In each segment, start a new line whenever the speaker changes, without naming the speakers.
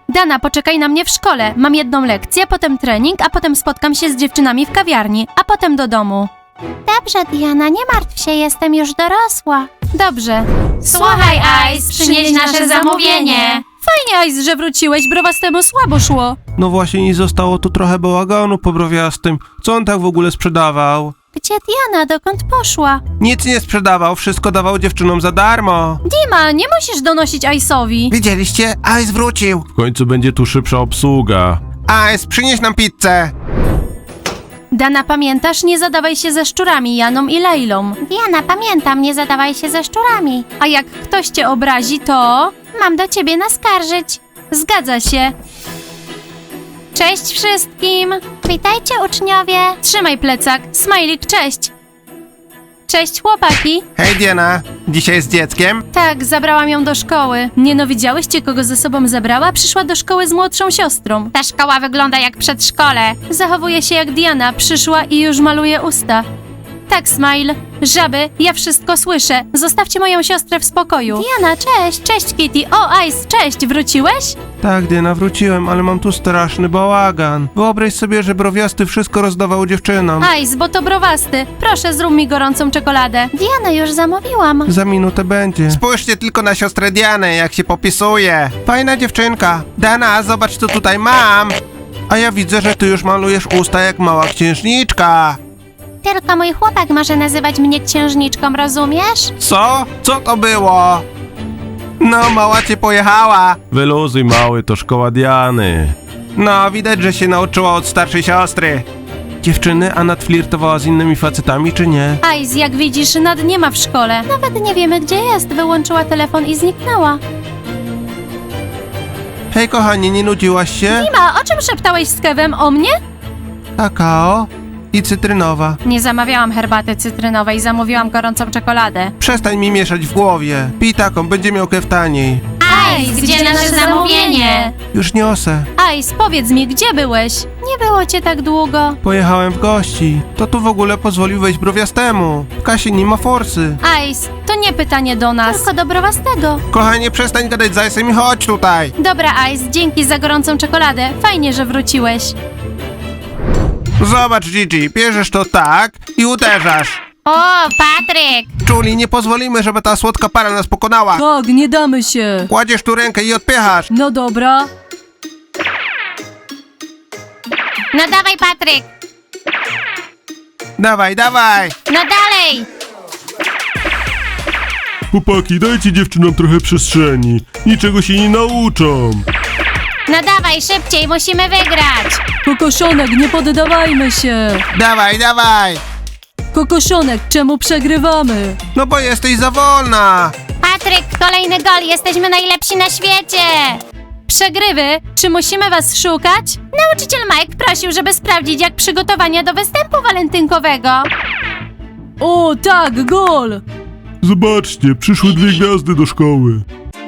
Dana, poczekaj na mnie w szkole. Mam jedną lekcję, potem trening, a potem spotkam się z dziewczynami w kawiarni, a potem do domu. Dobrze, Diana, nie martw się, jestem już dorosła. Dobrze. Słuchaj, Ice, przynieś nasze zamówienie. Fajnie, Ice, że wróciłeś, browastemu słabo szło.
No właśnie nie zostało tu trochę bałaganu po browiastym. Co on tak w ogóle sprzedawał?
Gdzie Diana, dokąd poszła?
Nic nie sprzedawał, wszystko dawał dziewczynom za darmo.
Dima, nie musisz donosić Ice'owi.
Widzieliście? Ice wrócił. W końcu będzie tu szybsza obsługa. Ice, przynieś nam pizzę.
Dana, pamiętasz? Nie zadawaj się ze szczurami, Janą i Lejlą. Diana, pamiętam, nie zadawaj się ze szczurami. A jak ktoś cię obrazi, to... Mam do ciebie naskarżyć. Zgadza się. Cześć wszystkim! Witajcie, uczniowie! Trzymaj plecak. Smajlik, cześć! Cześć, chłopaki!
Hej Diana, dzisiaj z dzieckiem?
Tak, zabrałam ją do szkoły. Nie no, widziałyście, kogo ze sobą zabrała? Przyszła do szkoły z młodszą siostrą. Ta szkoła wygląda jak przedszkole. Zachowuje się jak Diana. Przyszła i już maluje usta. Tak, Smile. Żaby, ja wszystko słyszę. Zostawcie moją siostrę w spokoju. Diana, cześć! Cześć, Kitty! O, Ice, cześć! Wróciłeś?
Tak, Diana, wróciłem, ale mam tu straszny bałagan. Wyobraź sobie, że browiasty wszystko rozdawał dziewczynom.
Ice, bo to browasty. Proszę, zrób mi gorącą czekoladę. Diana, już zamówiłam.
Za minutę będzie. Spójrzcie tylko na siostrę Dianę, jak się popisuje. Fajna dziewczynka. Dana, zobacz, co tutaj mam. A ja widzę, że ty już malujesz usta jak mała księżniczka.
Tylko mój chłopak może nazywać mnie księżniczką, rozumiesz?
Co? Co to było? No, mała cię pojechała. Wyluzuj, mały, to szkoła Diany. No, widać, że się nauczyła od starszej siostry. Dziewczyny, a Nat flirtowała z innymi facetami, czy nie?
Ice, jak widzisz, Nad nie ma w szkole. Nawet nie wiemy, gdzie jest. Wyłączyła telefon i zniknęła.
Hej, kochanie, nie nudziłaś się?
Dima, o czym szeptałeś z Kevem? O mnie?
Kakao i cytrynowa.
Nie zamawiałam herbaty cytrynowej, zamówiłam gorącą czekoladę.
Przestań mi mieszać w głowie. Pij taką, będzie miał Kev taniej.
Ice, gdzie nasze zamówienie?
Już niosę.
Ice, powiedz mi, gdzie byłeś? Nie było cię tak długo.
Pojechałem w gości. To tu w ogóle pozwolił wejść browiastemu. W kasie nie ma forsy.
Ice, to nie pytanie do nas. Tylko do browastego.
Kochanie, przestań gadać z Ice'em i chodź tutaj.
Dobra, Ice, dzięki za gorącą czekoladę. Fajnie, że wróciłeś.
Zobacz, Gigi, bierzesz to tak i uderzasz.
O, Patryk!
Julie, nie pozwolimy, żeby ta słodka para nas pokonała.
Tak, nie damy się.
Kładziesz tu rękę i odpychasz.
No dobra.
No dawaj, Patryk!
Dawaj, dawaj.
No dalej!
Chłopaki, dajcie dziewczynom trochę przestrzeni. Niczego się nie nauczą.
No dawaj, szybciej, musimy wygrać!
Kokoszonek, nie poddawajmy się.
Dawaj, dawaj.
Kokoszonek, czemu przegrywamy?
No bo jesteś za wolna.
Patryk, kolejny gol, jesteśmy najlepsi na świecie! Przegrywy? Czy musimy was szukać? Nauczyciel Mike prosił, żeby sprawdzić, jak przygotowania do występu walentynkowego.
O, tak, gol.
Zobaczcie, przyszły 2 gwiazdy do szkoły.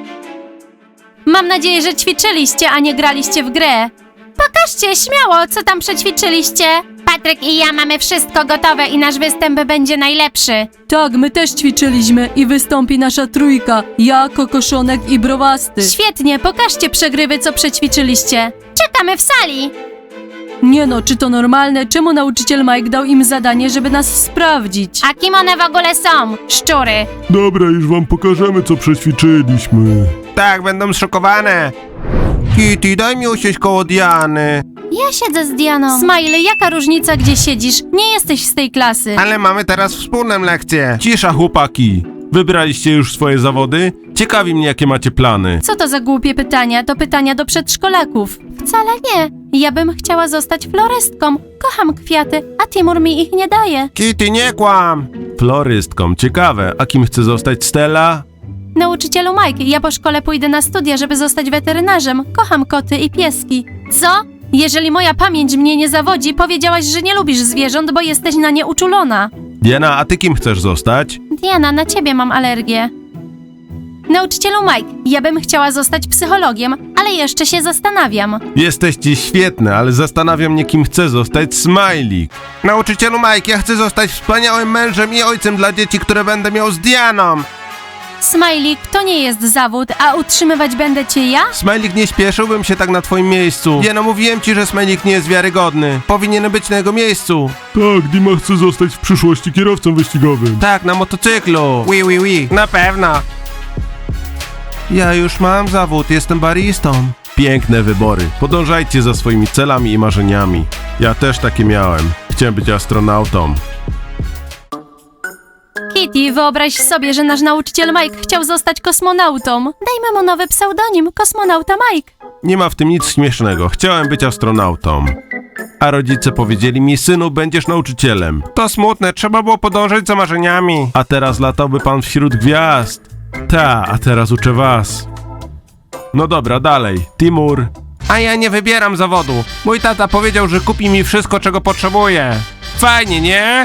Mam nadzieję, że ćwiczyliście, a nie graliście w grę. Pokażcie śmiało, co tam przećwiczyliście. Patryk i ja mamy wszystko gotowe i nasz występ będzie najlepszy.
Tak, my też ćwiczyliśmy i wystąpi nasza trójka. Ja, Kokoszonek i Browasty.
Świetnie, pokażcie przegrywy, co przećwiczyliście. Czekamy w sali.
Nie no, czy to normalne? Czemu nauczyciel Mike dał im zadanie, żeby nas sprawdzić?
A kim one w ogóle są? Szczury.
Dobra, już wam pokażemy, co przećwiczyliśmy.
Tak, będą zszokowane. Kitty, daj mi usiąść koło Diany.
Ja siedzę z Dianą. Smiley, jaka różnica, gdzie siedzisz? Nie jesteś z tej klasy.
Ale mamy teraz wspólną lekcję. Cisza, chłopaki. Wybraliście już swoje zawody? Ciekawi mnie, jakie macie plany.
Co to za głupie pytania? To pytania do przedszkolaków. Wcale nie. Ja bym chciała zostać florystką. Kocham kwiaty, a Timur mi ich nie daje.
Kitty, nie kłam. Florystką, ciekawe. A kim chce zostać Stella?
Nauczycielu Mike, ja po szkole pójdę na studia, żeby zostać weterynarzem. Kocham koty i pieski. Co? Jeżeli moja pamięć mnie nie zawodzi, powiedziałaś, że nie lubisz zwierząt, bo jesteś na nie uczulona.
Diana, a ty kim chcesz zostać?
Diana, na ciebie mam alergię. Nauczycielu Mike, ja bym chciała zostać psychologiem, ale jeszcze się zastanawiam.
Jesteście świetne, ale zastanawia mnie, kim chce zostać Smajlik. Nauczycielu Mike, ja chcę zostać wspaniałym mężem i ojcem dla dzieci, które będę miał z Dianą.
Smajlik, to nie jest zawód, a utrzymywać będę cię ja?
Smajlik, nie śpieszyłbym się tak na twoim miejscu. Diana, mówiłem ci, że Smajlik nie jest wiarygodny. Powinien być na jego miejscu.
Tak, Dima chce zostać w przyszłości kierowcą wyścigowym.
Tak, na motocyklu. Na pewno. Ja już mam zawód, jestem baristą. Piękne wybory. Podążajcie za swoimi celami i marzeniami. Ja też takie miałem. Chciałem być astronautą.
Kitty, wyobraź sobie, że nasz nauczyciel Mike chciał zostać kosmonautą. Dajmy mu nowy pseudonim, kosmonauta Mike.
Nie ma w tym nic śmiesznego. Chciałem być astronautą. A rodzice powiedzieli mi, synu, będziesz nauczycielem. To smutne, trzeba było podążać za marzeniami. A teraz latałby pan wśród gwiazd. A teraz uczę was. No dobra, dalej. Timur. A ja nie wybieram zawodu. Mój tata powiedział, że kupi mi wszystko, czego potrzebuję. Fajnie, nie?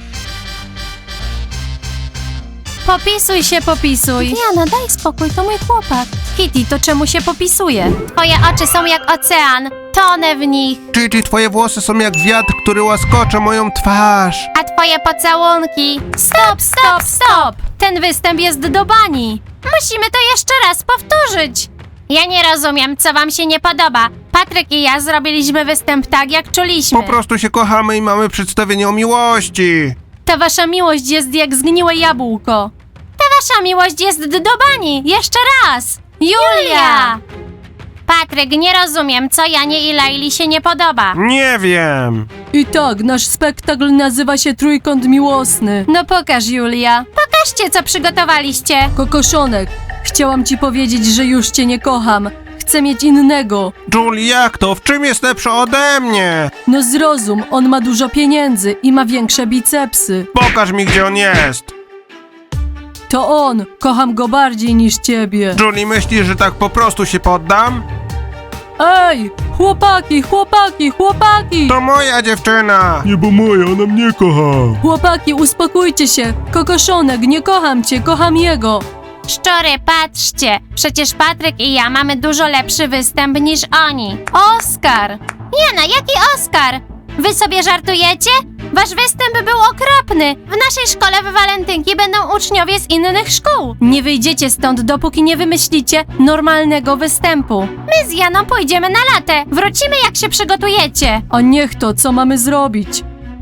Popisuj się, popisuj. Diana, daj spokój, to mój chłopak. Kitty, to czemu się popisuje? Twoje oczy są jak ocean. Tonę w nich.
Gigi, twoje włosy są jak wiatr, który łaskocze moją twarz.
A twoje pocałunki. Stop, stop, stop! Ten występ jest do bani. Musimy to jeszcze raz powtórzyć. Ja nie rozumiem, co wam się nie podoba. Patryk i ja zrobiliśmy występ tak, jak czuliśmy.
Po prostu się kochamy i mamy przedstawienie o miłości.
Ta wasza miłość jest jak zgniłe jabłko. Ta wasza miłość jest do bani. Jeszcze raz. Julia! Patryk, nie rozumiem, co Janie i Laili się nie podoba.
Nie wiem.
I tak, nasz spektakl nazywa się Trójkąt Miłosny.
No pokaż, Julia. Pokażcie, co przygotowaliście.
Kokoszonek, chciałam ci powiedzieć, że już cię nie kocham. Chcę mieć innego.
Julie, jak to? W czym jest lepszy ode mnie?
No zrozum, on ma dużo pieniędzy i ma większe bicepsy.
Pokaż mi, gdzie on jest.
To on, kocham go bardziej niż ciebie.
Julie, myślisz, że tak po prostu się poddam?
Ej, chłopaki, chłopaki, chłopaki!
To moja dziewczyna.
Nie, bo moja, ona mnie kocha.
Chłopaki, uspokójcie się. Kokoszonek, nie kocham cię, kocham jego.
Szczury, patrzcie. Przecież Patryk i ja mamy dużo lepszy występ niż oni. Oskar! Jana, jaki Oskar? Wy sobie żartujecie? Wasz występ był okropny. W naszej szkole w walentynki będą uczniowie z innych szkół. Nie wyjdziecie stąd, dopóki nie wymyślicie normalnego występu. My z Janą pójdziemy na latę. Wrócimy, jak się przygotujecie.
A niech to, co mamy zrobić?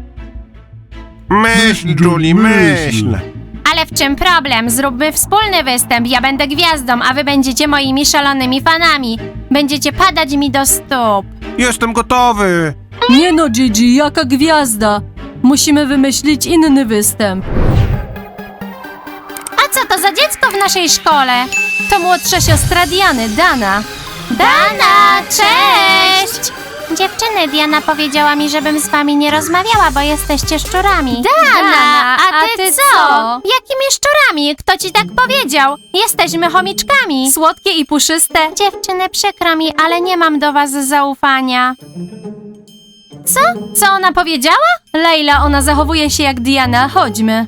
Myśl, Julie, myśl.
Ale w czym problem? Zróbmy wspólny występ. Ja będę gwiazdą, a wy będziecie moimi szalonymi fanami. Będziecie padać mi do stóp.
Jestem gotowy.
Nie no, Gigi, jaka gwiazda. Musimy wymyślić inny występ.
A co to za dziecko w naszej szkole?
To młodsza siostra Diany, Dana.
Dana, cześć! Dziewczyny, Diana powiedziała mi, żebym z wami nie rozmawiała, bo jesteście szczurami. Dana, a ty co? Jakimi szczurami? Kto ci tak powiedział? Jesteśmy chomiczkami.
Słodkie i puszyste.
Dziewczyny, przykro mi, ale nie mam do was zaufania. Co? Co ona powiedziała?
Leila, ona zachowuje się jak Diana, chodźmy.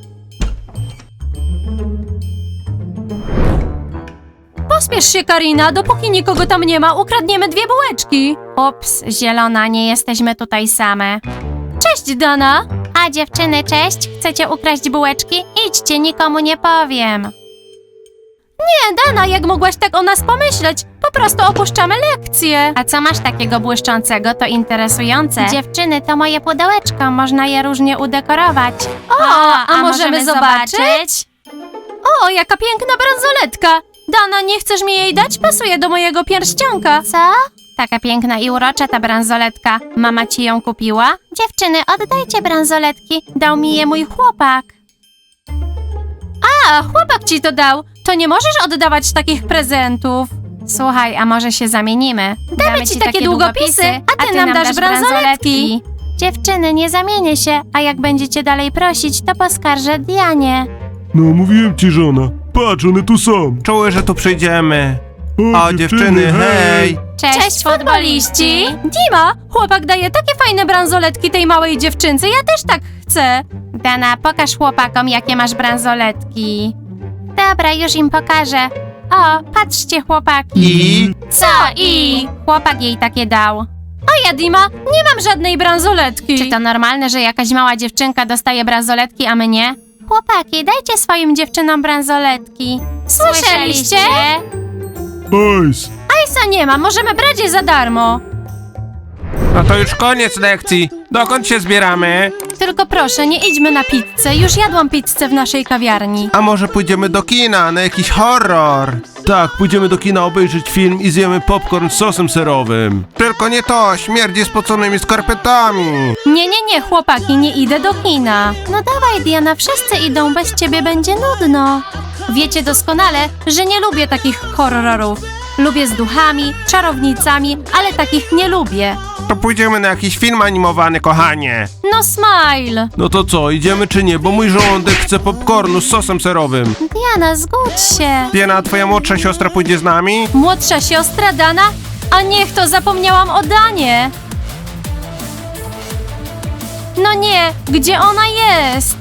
Pospiesz się, Karina, dopóki nikogo tam nie ma, ukradniemy 2 bułeczki.
Ups, zielona, nie jesteśmy tutaj same.
Cześć, Dana.
A dziewczyny, cześć? Chcecie ukraść bułeczki? Idźcie, nikomu nie powiem.
Nie, Dana, jak mogłaś tak o nas pomyśleć? Po prostu opuszczamy lekcję.
A co masz takiego błyszczącego? To interesujące. Dziewczyny, to moje pudełeczko, można je różnie udekorować.
A możemy zobaczyć? O, jaka piękna bransoletka. Dana, nie chcesz mi jej dać? Pasuje do mojego pierścionka.
Co? Taka piękna i urocza ta bransoletka. Mama ci ją kupiła? Dziewczyny, oddajcie bransoletki. Dał mi je mój chłopak.
A, chłopak ci to dał. To nie możesz oddawać takich prezentów.
Słuchaj, a może się zamienimy?
Damy ci takie długopisy, a ty nam dasz bransoletki.
Dziewczyny, nie zamienię się, a jak będziecie dalej prosić, to poskarżę Dianie.
No, mówiłem ci, żona. Patrz, one tu są.
Czuły, że tu przyjdziemy. O, dziewczyny, hej.
Cześć, futboliści!
Dima, chłopak daje takie fajne bransoletki tej małej dziewczynce, ja też tak chcę.
Dana, pokaż chłopakom, jakie masz bransoletki. Dobra, już im pokażę. O, patrzcie, chłopaki.
I?
Co i? Chłopak jej takie dał.
A ja, Dima, nie mam żadnej bransoletki.
Czy to normalne, że jakaś mała dziewczynka dostaje bransoletki, a my nie? Chłopaki, dajcie swoim dziewczynom bransoletki.
Słyszeliście?
Hajs!
Hajsa nie ma, możemy brać je za darmo.
No to już koniec lekcji. Dokąd się zbieramy?
Tylko proszę, nie idźmy na pizzę. Już jadłam pizzę w naszej kawiarni.
A może pójdziemy do kina na jakiś horror?
Tak, pójdziemy do kina obejrzeć film i zjemy popcorn z sosem serowym.
Tylko nie to, śmierdzi spoconymi skarpetami.
Nie, chłopaki, nie idę do kina.
No dawaj, Diana, wszyscy idą, bez ciebie będzie nudno.
Wiecie doskonale, że nie lubię takich horrorów. Lubię z duchami, czarownicami, ale takich nie lubię.
To pójdziemy na jakiś film animowany, kochanie.
No Smile!
No to co, idziemy czy nie? Bo mój żołądek chce popcornu z sosem serowym.
Diana, zgódź się.
Diana, twoja młodsza siostra pójdzie z nami?
Młodsza siostra Dana? A niech to, zapomniałam o Danie. No nie, gdzie ona jest?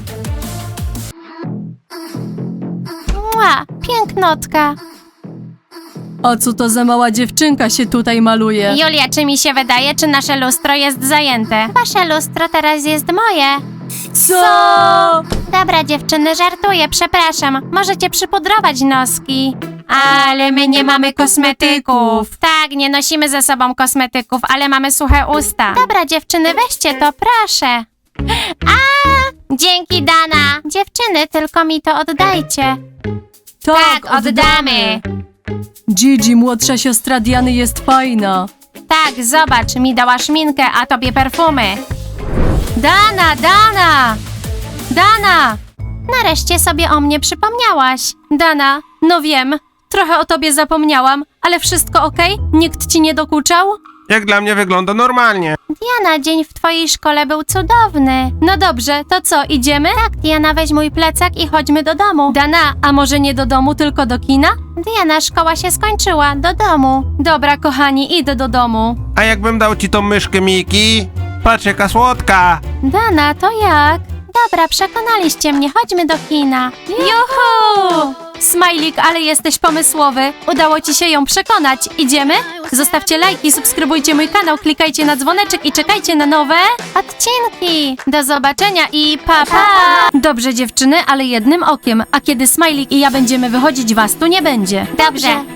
Mua, pięknotka.
A co to za mała dziewczynka się tutaj maluje?
Julia, czy mi się wydaje, czy nasze lustro jest zajęte? Wasze lustro teraz jest moje.
Co?
Dobra, dziewczyny, żartuję, przepraszam. Możecie przypudrować noski.
Ale my nie mamy kosmetyków.
Tak, nie nosimy ze sobą kosmetyków, ale mamy suche usta. Dobra, dziewczyny, weźcie to, proszę. A! Dzięki, Dana. Dziewczyny, tylko mi to oddajcie. Tak, oddamy.
Gigi, młodsza siostra Diany, jest fajna.
Tak, zobacz, mi dała szminkę, a tobie perfumy.
Dana! Dana!
Nareszcie sobie o mnie przypomniałaś.
Dana, no wiem, trochę o tobie zapomniałam, ale wszystko okej? Nikt ci nie dokuczał?
Jak dla mnie wygląda normalnie.
Diana, dzień w twojej szkole był cudowny.
No dobrze, to co, idziemy?
Tak, Diana, weź mój plecak i chodźmy do domu.
Dana, a może nie do domu, tylko do kina?
Diana, szkoła się skończyła, do domu.
Dobra, kochani, idę do domu.
A jakbym dał ci tą myszkę, Miki? Patrz, jaka słodka.
Dana, to jak? Dobra, przekonaliście mnie, chodźmy do kina.
Juhu! Smajlik, ale jesteś pomysłowy. Udało ci się ją przekonać. Idziemy? Zostawcie lajki, subskrybujcie mój kanał, klikajcie na dzwoneczek i czekajcie na nowe
Odcinki.
Do zobaczenia i pa pa! Dobrze dziewczyny, ale jednym okiem, a kiedy Smajlik i ja będziemy wychodzić, was tu nie będzie.
Dobrze.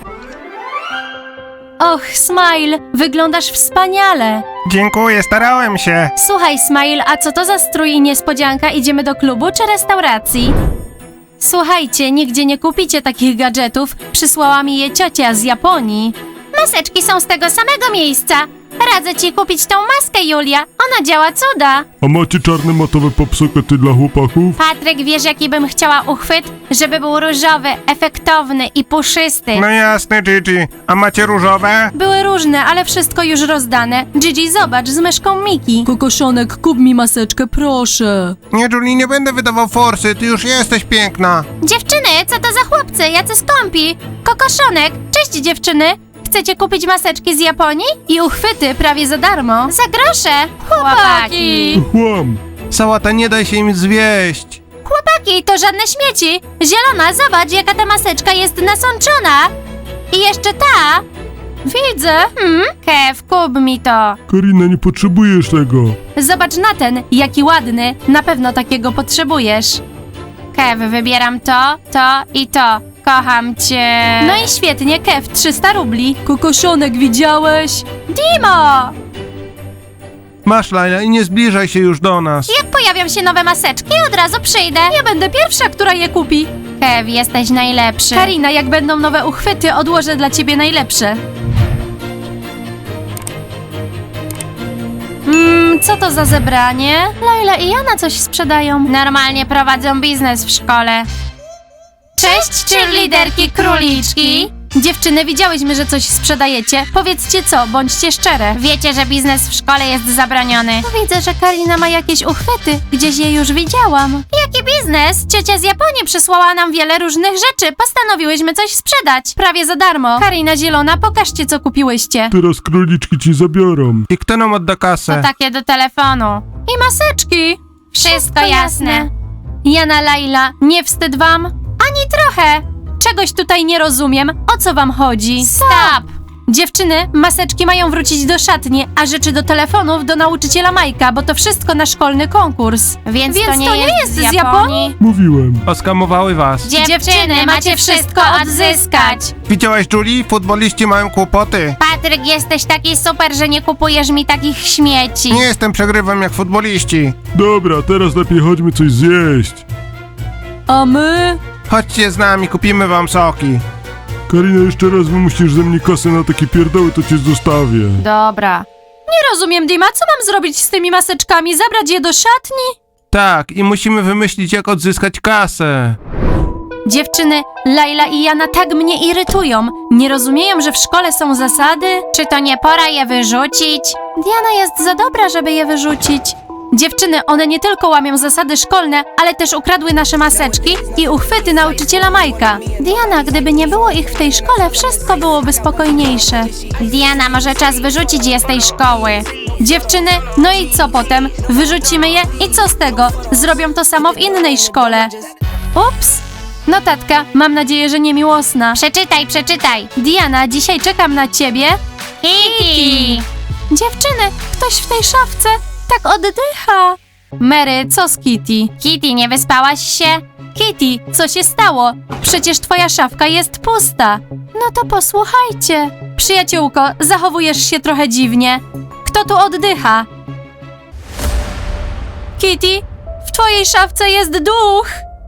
Och, Smile, wyglądasz wspaniale.
Dziękuję, starałem się.
Słuchaj, Smile, a co to za strój i niespodzianka? Idziemy do klubu czy restauracji? Słuchajcie, nigdzie nie kupicie takich gadżetów. Przysłała mi je ciocia z Japonii.
Maseczki są z tego samego miejsca. Radzę ci kupić tą maskę, Julia. Ona działa cuda.
A macie czarne matowe popsokety dla chłopaków?
Patryk, wiesz jaki bym chciała uchwyt? Żeby był różowy, efektowny i puszysty.
No jasne, Gigi. A macie różowe?
Były różne, ale wszystko już rozdane. Gigi, zobacz, z myszką Miki. Kokoszonek, kup mi maseczkę, proszę.
Nie, Julie, nie będę wydawał forsy, ty już jesteś piękna.
Dziewczyny, co to za chłopcy? Jacy skąpi? Kokoszonek. Cześć, dziewczyny. Chcecie kupić maseczki z Japonii?
I uchwyty prawie za darmo.
Za grosze. Chłopaki.
Chłam!
Sałata, nie daj się im zwieść.
Chłopaki, to żadne śmieci. Zielona, zobacz jaka ta maseczka jest nasączona. I jeszcze ta.
Widzę.
Kev, kup mi to.
Karina, nie potrzebujesz tego.
Zobacz na ten, jaki ładny. Na pewno takiego potrzebujesz.
Kev, wybieram to, to i to. Kocham cię.
No i świetnie, Kev, 300 rubli. Kokoszonek, widziałeś? Dimo!
Masz, Laila, i nie zbliżaj się już do nas.
Jak pojawią się nowe maseczki, od razu przyjdę.
Ja będę pierwsza, która je kupi.
Kev, jesteś najlepszy.
Karina, jak będą nowe uchwyty, odłożę dla ciebie najlepsze. Co to za zebranie?
Laila i Jana coś sprzedają. Normalnie prowadzą biznes w szkole. Cześć, cheerleaderki króliczki.
Dziewczyny, widziałyśmy, że coś sprzedajecie. Powiedzcie co, bądźcie szczere.
Wiecie, że biznes w szkole jest zabroniony.
Widzę, że Karina ma jakieś uchwyty. Gdzieś je już widziałam.
Jaki biznes? Ciocia z Japonii przysłała nam wiele różnych rzeczy. Postanowiłyśmy coś sprzedać.
Prawie za darmo. Karina Zielona, pokażcie co kupiłyście.
Teraz króliczki ci zabiorą.
I kto nam odda kasę?
To takie do telefonu.
I maseczki.
Wszystko jasne.
Jana, Laila, nie wstyd wam? Ani trochę. Czegoś tutaj nie rozumiem. O co wam chodzi?
Stop!
Dziewczyny, maseczki mają wrócić do szatni, a rzeczy do telefonów do nauczyciela Majka, bo to wszystko na szkolny konkurs. Więc to nie jest z Japonii?
Mówiłem.
Oskamowały was.
Dziewczyny, macie wszystko odzyskać.
Widziałaś, Julie? Futboliści mają kłopoty.
Patryk, jesteś taki super, że nie kupujesz mi takich śmieci.
Nie jestem przegrywem jak futboliści.
Dobra, teraz lepiej chodźmy coś zjeść.
A my?
Chodźcie z nami, kupimy wam soki.
Karina, jeszcze raz wymusisz ze mnie kasę na takie pierdoły, to cię zostawię.
Dobra.
Nie rozumiem, Dima, co mam zrobić z tymi maseczkami? Zabrać je do szatni?
Tak, i musimy wymyślić, jak odzyskać kasę.
Dziewczyny, Laila i Jana tak mnie irytują. Nie rozumieją, że w szkole są zasady?
Czy to nie pora je wyrzucić?
Diana jest za dobra, żeby je wyrzucić. Dziewczyny, one nie tylko łamią zasady szkolne, ale też ukradły nasze maseczki i uchwyty nauczyciela Majka. Diana, gdyby nie było ich w tej szkole, wszystko byłoby spokojniejsze.
Diana, może czas wyrzucić je z tej szkoły.
Dziewczyny, no i co potem? Wyrzucimy je i co z tego? Zrobią to samo w innej szkole. Ups! Notatka, mam nadzieję, że niemiłosna.
Przeczytaj.
Diana, dzisiaj czekam na ciebie.
Kitty!
Dziewczyny, ktoś w tej szafce tak oddycha. Mary, co z Kitty?
Kitty, nie wyspałaś się?
Kitty, co się stało? Przecież twoja szafka jest pusta. No to posłuchajcie. Przyjaciółko, zachowujesz się trochę dziwnie. Kto tu oddycha? Kitty, w twojej szafce jest duch.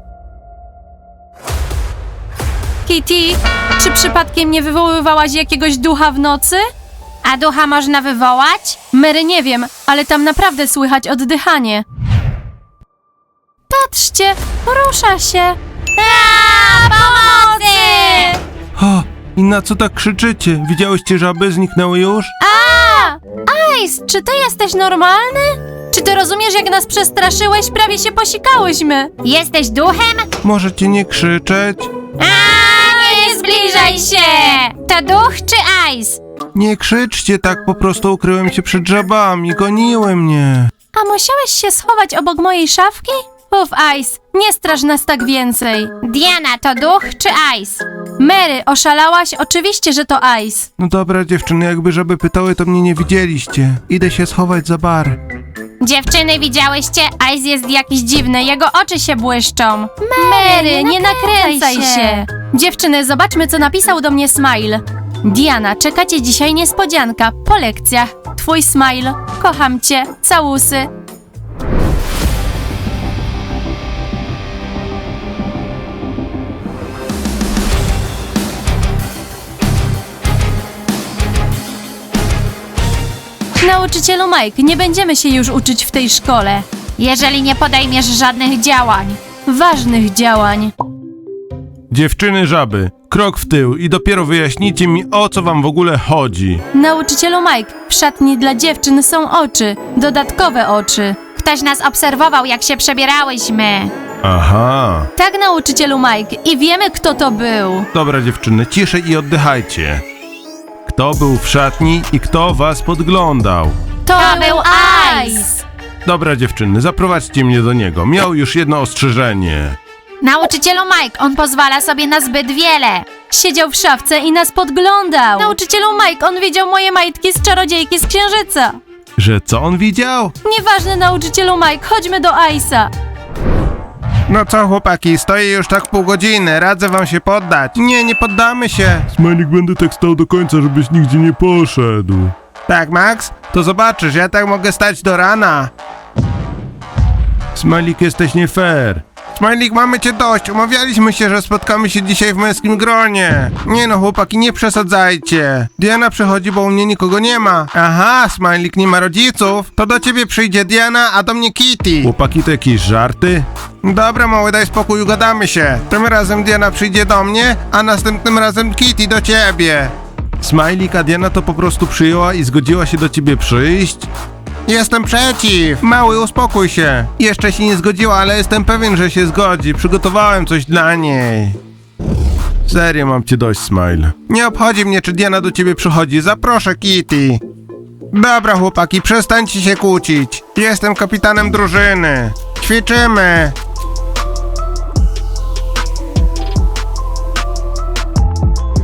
Kitty, czy przypadkiem nie wywoływałaś jakiegoś ducha w nocy?
A ducha można wywołać?
Mary, nie wiem, ale tam naprawdę słychać oddychanie. Patrzcie, rusza się.
Pomocy!
O, i na co tak krzyczycie? Widziałyście żaby? Zniknęły już?
Ice, czy ty jesteś normalny? Czy ty rozumiesz, jak nas przestraszyłeś? Prawie się posikałyśmy.
Jesteś duchem?
Możecie nie krzyczeć?
Nie zbliżaj się! To duch czy Ice?
Nie krzyczcie tak, po prostu ukryłem się przed żabami, goniły mnie.
A musiałeś się schować obok mojej szafki? Uf, Ice, nie straż nas tak więcej.
Diana, to duch czy Ice?
Mary, oszalałaś? Oczywiście, że to Ice.
No dobra, dziewczyny, jakby żaby pytały, to mnie nie widzieliście. Idę się schować za bar.
Dziewczyny, widziałyście? Ice jest jakiś dziwny, jego oczy się błyszczą.
Mary, nie nakręcaj się. Dziewczyny, zobaczmy, co napisał do mnie Smile. Diana, czekacie dzisiaj niespodzianka po lekcjach. Twój Smile. Kocham cię. Całusy. Nauczycielu Mike, nie będziemy się już uczyć w tej szkole.
Jeżeli nie podejmiesz żadnych działań.
Ważnych działań.
Dziewczyny żaby, krok w tył i dopiero wyjaśnijcie mi, o co wam w ogóle chodzi.
Nauczycielu Mike, w szatni dla dziewczyn są oczy. Dodatkowe oczy.
Ktoś nas obserwował, jak się przebierałyśmy.
Aha.
Tak, nauczycielu Mike, i wiemy, kto to był.
Dobra, dziewczyny, ciszej i oddychajcie. Kto był w szatni i kto was podglądał?
To
był
Ice.
Dobra, dziewczyny, zaprowadźcie mnie do niego. Miał już jedno ostrzeżenie.
Nauczycielu Mike, on pozwala sobie na zbyt wiele.
Siedział w szafce i nas podglądał. Nauczycielu Mike, on widział moje majtki z czarodziejki z księżyca.
Że co on widział?
Nieważne, nauczycielu Mike, chodźmy do Ice'a.
No co, chłopaki, stoję już tak pół godziny, radzę wam się poddać. Nie poddamy się.
Smajlik, będę tak stał do końca, żebyś nigdzie nie poszedł.
Tak, Max? To zobaczysz, ja tak mogę stać do rana.
Smajlik, jesteś nie fair.
Smajlik, mamy cię dość. Umawialiśmy się, że spotkamy się dzisiaj w męskim gronie. Nie no, chłopaki, nie przesadzajcie. Diana przychodzi, bo u mnie nikogo nie ma. Aha, Smajlik nie ma rodziców. To do ciebie przyjdzie Diana, a do mnie Kitty.
Chłopaki, to jakieś żarty?
Dobra, mały, daj spokój, ugadamy się. Tym razem Diana przyjdzie do mnie, a następnym razem Kitty do ciebie.
Smajlik, a Diana to po prostu przyjęła i zgodziła się do ciebie przyjść?
Jestem przeciw. Mały, uspokój się. Jeszcze się nie zgodziła, ale jestem pewien, że się zgodzi. Przygotowałem coś dla niej.
Serio, mam cię dość, Smile.
Nie obchodzi mnie, czy Diana do ciebie przychodzi. Zaproszę Kitty. Dobra, chłopaki, przestańcie się kłócić. Jestem kapitanem drużyny. Ćwiczymy.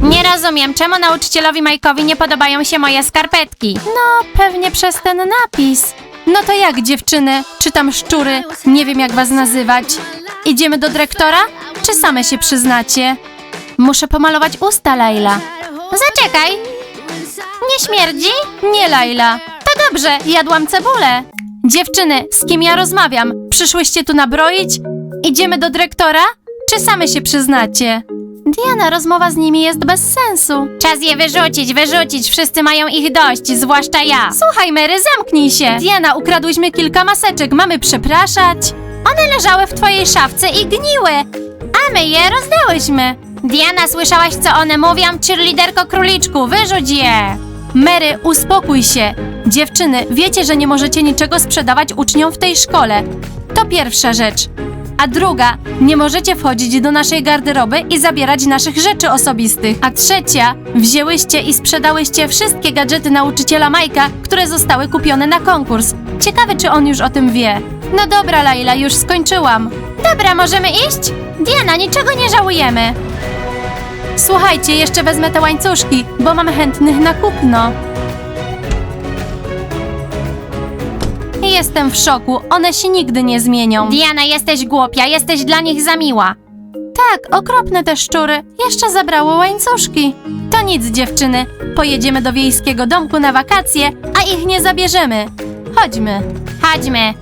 Nie rozumiem, czemu nauczycielowi Majkowi nie podobają się moje skarpetki.
No, pewnie przez ten napis. No to jak, dziewczyny? Czy tam szczury? Nie wiem, jak was nazywać. Idziemy do dyrektora? Czy same się przyznacie? Muszę pomalować usta, Laila.
Zaczekaj. Nie śmierdzi?
Nie, Laila.
To dobrze, jadłam cebulę.
Dziewczyny, z kim ja rozmawiam? Przyszłyście tu nabroić? Idziemy do dyrektora? Czy same się przyznacie? Diana, rozmowa z nimi jest bez sensu.
Czas je wyrzucić, wszyscy mają ich dość, zwłaszcza ja.
Słuchaj, Mary, zamknij się. Diana, ukradłyśmy kilka maseczek, mamy przepraszać?
One leżały w twojej szafce i gniły, a my je rozdałyśmy. Diana, słyszałaś, co one mówią? Cheerleaderko króliczku, wyrzuć je.
Mary, uspokój się. Dziewczyny, wiecie, że nie możecie niczego sprzedawać uczniom w tej szkole. To pierwsza rzecz. A druga, nie możecie wchodzić do naszej garderoby i zabierać naszych rzeczy osobistych. A trzecia, wzięłyście i sprzedałyście wszystkie gadżety nauczyciela Majka, które zostały kupione na konkurs. Ciekawe, czy on już o tym wie. No dobra, Laila, już skończyłam.
Dobra, możemy iść? Diana, niczego nie żałujemy.
Słuchajcie, jeszcze wezmę te łańcuszki, bo mam chętnych na kupno. Jestem w szoku, one się nigdy nie zmienią.
Diana, jesteś głupia, jesteś dla nich za miła.
Tak, okropne te szczury. Jeszcze zabrało łańcuszki. To nic, dziewczyny. Pojedziemy do wiejskiego domku na wakacje, a ich nie zabierzemy. Chodźmy.
Chodźmy.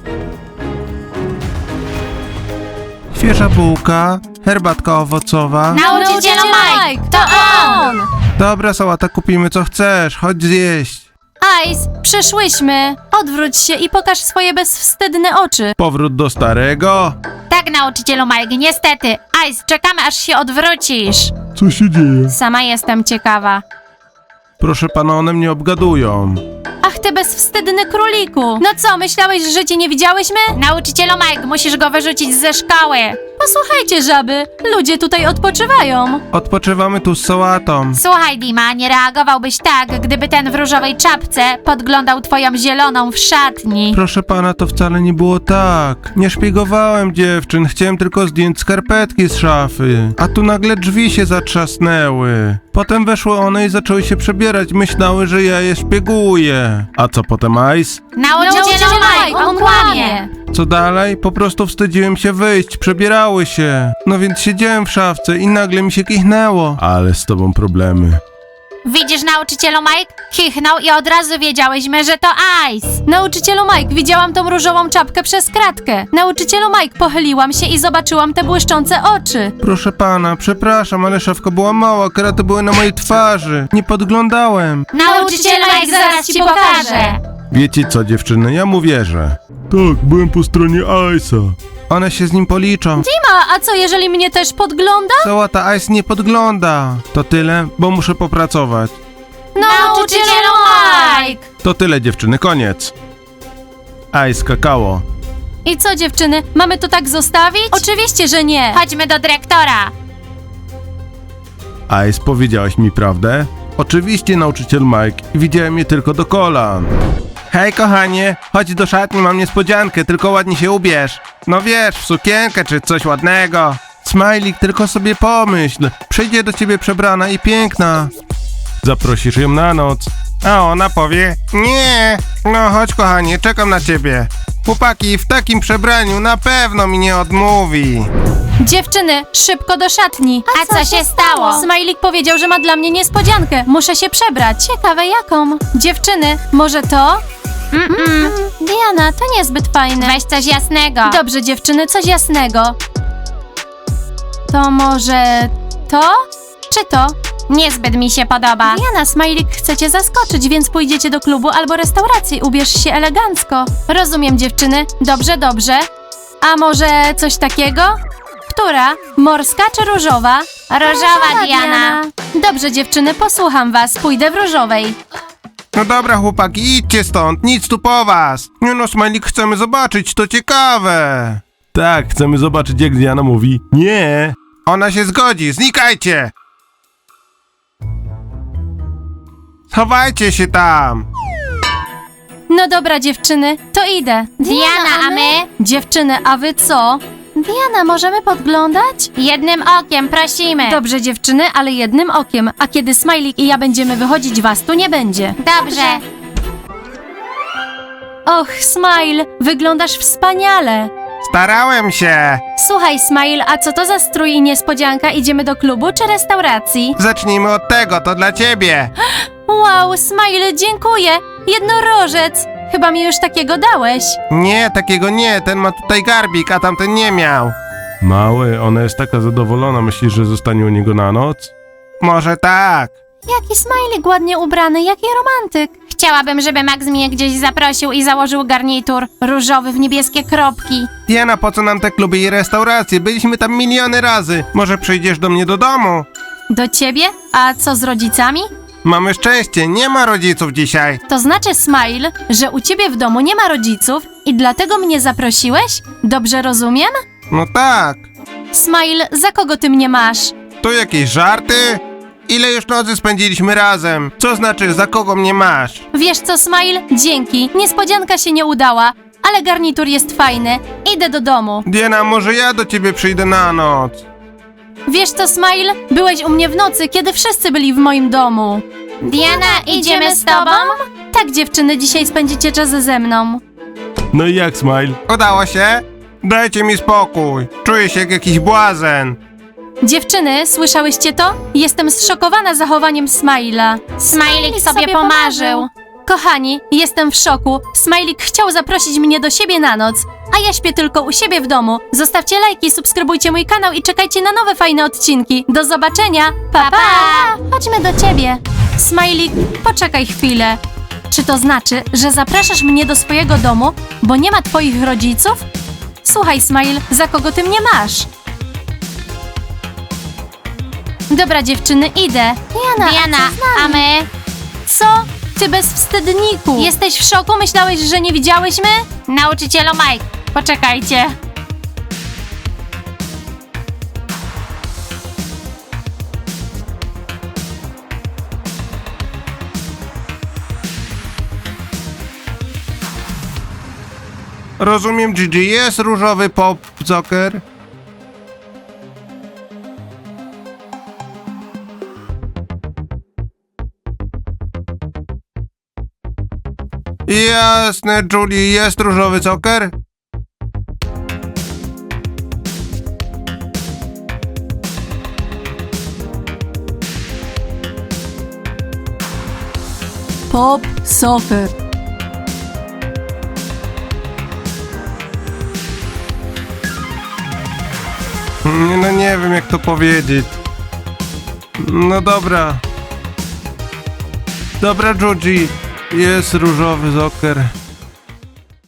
Świeża bułka, herbatka owocowa.
Nauczycielu Mike, to on!
Dobra, sałata, kupimy co chcesz, chodź zjeść.
Ice, przyszłyśmy. Odwróć się i pokaż swoje bezwstydne oczy.
Powrót do starego?
Tak, nauczycielu Mike, niestety. Ice, czekamy, aż się odwrócisz.
Co się dzieje?
Sama jestem ciekawa.
Proszę pana, one mnie obgadują.
Ach, ty bezwstydny króliku. No co, myślałeś, że cię nie widziałyśmy?
Nauczycielu Mike, musisz go wyrzucić ze szkoły.
Posłuchajcie, żaby. Ludzie tutaj odpoczywają.
Odpoczywamy tu z sałatą.
Słuchaj, Dima, nie reagowałbyś tak, gdyby ten w różowej czapce podglądał twoją zieloną w szatni.
Proszę pana, to wcale nie było tak. Nie szpiegowałem dziewczyn, chciałem tylko zdjąć skarpetki z szafy. A tu nagle drzwi się zatrzasnęły. Potem weszły one i zaczęły się przebierać. Myślały, że ja je szpieguję. A co potem, Ice?
Nauczycielu Mike, on kłamie.
Co dalej? Po prostu wstydziłem się wyjść, przebierały się. No więc siedziałem w szafce i nagle mi się kichnęło.
Ale z tobą problemy.
Widzisz, nauczycielu Mike? Kichnął i od razu wiedziałyśmy, że to Ice.
Nauczycielu Mike, widziałam tą różową czapkę przez kratkę. Nauczycielu Mike, pochyliłam się i zobaczyłam te błyszczące oczy.
Proszę pana, przepraszam, ale szafka była mała, kraty były na mojej twarzy. Nie podglądałem.
Nauczycielu Mike, zaraz ci pokażę.
Wiecie co, dziewczyny, ja mu wierzę.
Tak, byłem po stronie Ice'a.
One się z nim policzą.
Dima, a co jeżeli mnie też podgląda?
Sałata, Ice nie podgląda. To tyle, bo muszę popracować.
Nauczycielu Mike!
To tyle, dziewczyny, koniec. Ice, kakao.
I co, dziewczyny, mamy to tak zostawić? Oczywiście, że nie.
Chodźmy do dyrektora.
Ice, powiedziałaś mi prawdę? Oczywiście, nauczyciel Mike. Widziałem je tylko do kolan. Hej, kochanie, chodź do szatni, mam niespodziankę, tylko ładnie się ubierz. No wiesz, w sukienkę czy coś ładnego. Smajlik, tylko sobie pomyśl. Przyjdzie do ciebie przebrana i piękna. Zaprosisz ją na noc. A ona powie, nie. No chodź, kochanie, czekam na ciebie. Chłopaki, w takim przebraniu na pewno mi nie odmówi.
Dziewczyny, szybko do szatni.
A co się stało?
Smajlik powiedział, że ma dla mnie niespodziankę. Muszę się przebrać. Ciekawe jaką. Dziewczyny, może to? Diana, to niezbyt fajne.
Weź coś jasnego.
Dobrze, dziewczyny, coś jasnego. To może to? Czy to?
Niezbyt mi się podoba.
Diana, Smajlik chce cię zaskoczyć, więc pójdziecie do klubu albo restauracji. Ubierz się elegancko. Rozumiem, dziewczyny. Dobrze, dobrze. A może coś takiego? Która? Morska czy różowa?
Różowa, Diana.
Dobrze, dziewczyny, posłucham was. Pójdę w różowej.
No dobra, chłopaki, idźcie stąd, nic tu po was. Nie no, Smajlik, chcemy zobaczyć, to ciekawe.
Tak, chcemy zobaczyć, jak Diana mówi nie.
Ona się zgodzi, znikajcie! Schowajcie się tam!
No dobra, dziewczyny, to idę.
Diana, a my?
Dziewczyny, a wy co? Diana, możemy podglądać?
Jednym okiem, prosimy.
Dobrze, dziewczyny, ale jednym okiem. A kiedy Smajlik i ja będziemy wychodzić, was tu nie będzie.
Dobrze.
Och, Smile, wyglądasz wspaniale.
Starałem się.
Słuchaj, Smile, a co to za strój i niespodzianka? Idziemy do klubu czy restauracji?
Zacznijmy od tego, to dla ciebie.
Wow, Smile, dziękuję. Jednorożec. Chyba mi już takiego dałeś.
Nie, takiego nie, ten ma tutaj garbik, a tamten nie miał.
Mały, ona jest taka zadowolona, myślisz, że zostanie u niego na noc?
Może tak.
Jaki Smajlik ładnie ubrany, jaki romantyk.
Chciałabym, żeby Max mnie gdzieś zaprosił i założył garnitur różowy w niebieskie kropki.
Diana, po co nam te kluby i restauracje? Byliśmy tam miliony razy. Może przyjdziesz do mnie do domu?
Do ciebie? A co z rodzicami?
Mamy szczęście, nie ma rodziców dzisiaj.
To znaczy, Smile, że u ciebie w domu nie ma rodziców i dlatego mnie zaprosiłeś? Dobrze rozumiem?
No tak.
Smile, za kogo ty mnie masz?
To jakieś żarty? Ile już nocy spędziliśmy razem? Co znaczy, za kogo mnie masz?
Wiesz co, Smile? Dzięki. Niespodzianka się nie udała, ale garnitur jest fajny. Idę do domu.
Diana, może ja do ciebie przyjdę na noc?
Wiesz co, Smile? Byłeś u mnie w nocy, kiedy wszyscy byli w moim domu.
Diana, idziemy z tobą?
Tak, dziewczyny, dzisiaj spędzicie czas ze mną.
No i jak, Smile?
Udało się? Dajcie mi spokój. Czuję się jak jakiś błazen.
Dziewczyny, słyszałyście to? Jestem zszokowana zachowaniem Smile'a.
Smajlik sobie pomarzył.
Kochani, jestem w szoku. Smajlik chciał zaprosić mnie do siebie na noc, a ja śpię tylko u siebie w domu. Zostawcie lajki, subskrybujcie mój kanał i czekajcie na nowe fajne odcinki. Do zobaczenia. Pa, pa! Chodźmy do ciebie. Smajlik, poczekaj chwilę. Czy to znaczy, że zapraszasz mnie do swojego domu, bo nie ma twoich rodziców? Słuchaj, Smile, za kogo ty mnie masz? Dobra, dziewczyny, idę.
Diana, a my?
Co? Ty bezwstydniku! Jesteś w szoku? Myślałeś, że nie widziałyśmy?
Nauczycielu Mike, poczekajcie.
Rozumiem, Gigi, jest różowy pop soccer? Jasne, Julie, jest różowy soccer?
Pop soccer.
No nie wiem, jak to powiedzieć. No dobra. Dobra, Judy, jest różowy soccer.